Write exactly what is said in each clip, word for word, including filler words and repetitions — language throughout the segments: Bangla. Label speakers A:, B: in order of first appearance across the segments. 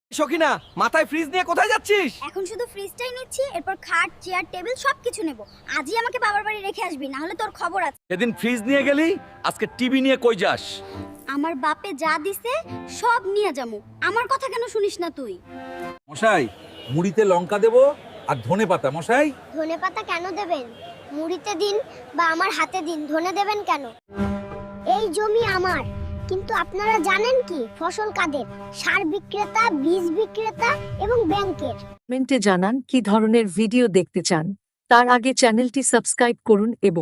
A: সখিনা, মাথায় ফ্রিজ নিয়ে কোথায় যাচ্ছিস?
B: এখন শুধু ফ্রিজটাই নিচ্ছি, এরপর খাট, চেয়ার, টেবিল সবকিছু নেব। আজই আমাকে বাবার বাড়ি রেখে আসবি, না হলে তোর খবর আছে।
A: সেদিন ফ্রিজ নিয়ে গেলি, আজকে টিভি নিয়ে কই যাস?
B: আমার বাপে যা দিছে সব নিয়ে যামু। আমার কথা কেন শুনিস না তুই?
C: মশাই, মুড়িতে লঙ্কা দেবো আর ধনে পাতা। মশাই,
D: ধনে পাতা কেন দেবেন? মুড়িতে দিন বা আমার হাতে দিন, ধনে দেবেন কেন? এই জমি আমার, কিন্তু আপনারা জানেন কি ফসল কাদের? সার বিক্রেতা, বীজ বিক্রেতা এবং ব্যাংকের।
E: কমেন্টে জানান কি ধরনের ভিডিও দেখতে চান। তার আগে চ্যানেলটি সাবস্ক্রাইব করুন এবং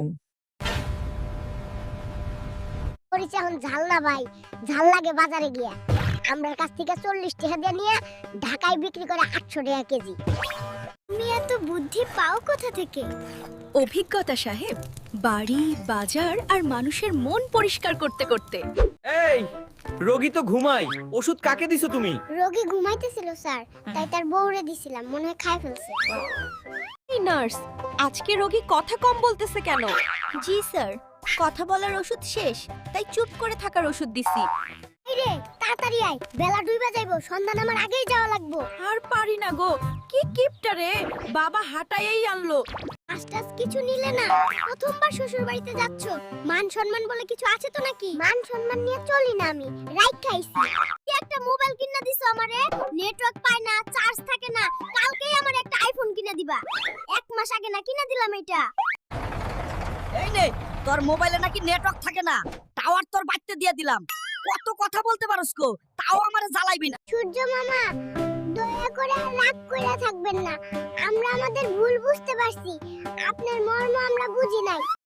D: করেছে এখন ঝাল না ভাই, ঝাল লাগে বাজারে গিয়া। আমরার কাছ থেকে চল্লিশ টাকা দিয়ে নিয়ে ঢাকায় বিক্রি করে আটশো টাকা কেজি। তুমি এত বুদ্ধি পাও কোথা থেকে?
F: অভিজ্ঞতা সাহেব, বাড়ি, বাজার আর মানুষের মন পরিষ্কার করতে করতে।
A: এই, রোগী তো ঘুমাই, ওষুধ কাকে দিছো তুমি?
D: রোগী ঘুমাইতেছিল স্যার, তাই তার বউরে দিছিলাম, মনে হয় খাই ফেলছে।
F: এই নার্স, আজকে রোগী কথা কম বলতেছে কেন?
B: জি স্যার, কথা বলার ওষুধ শেষ, তাই চুপ করে থাকার ওষুধ দিছি।
D: এই রে, তাড়াতাড়ি আয়, বেলা ডুইবা যাইবো, সন্ধ্যা আমার আগেই যাওয়া লাগবো।
F: আর পারি না গো, কি কিপটা রে, বাবা হাঁটাইয়েই আনলো।
D: আস্তাস কিছু নিলে না, প্রথমবার শ্বশুর বাড়িতে যাচ্ছ, মান সম্মান বলে কিছু আছে তো নাকি? মান সম্মান নিয়ে চলি না আমি, রাইট খাইছি। কি একটা মোবাইল কিনা দিছো আমারে, নেটওয়ার্ক পায় না, চার্জ থাকে না, কালকেই আমার একটা আইফোন কিনা দিবা। এক মাস আগে না কিনা দিলাম এটা।
G: এই নে, তোর মোবাইলে নাকি নেটওয়ার্ক থাকে না, টাওয়ার তোর বাড়তে দিয়ে দিলাম। কত কথা বলতে পারোস কো, তাও আমারে জ্বালাইবি না।
D: সূর্য মামা, দয়া করে আর রাগ কইরা থাকবেন না, আমরা আমাদের ভুল বুঝতে পারছি, আপনার মর্ম আমরা বুঝি নাই।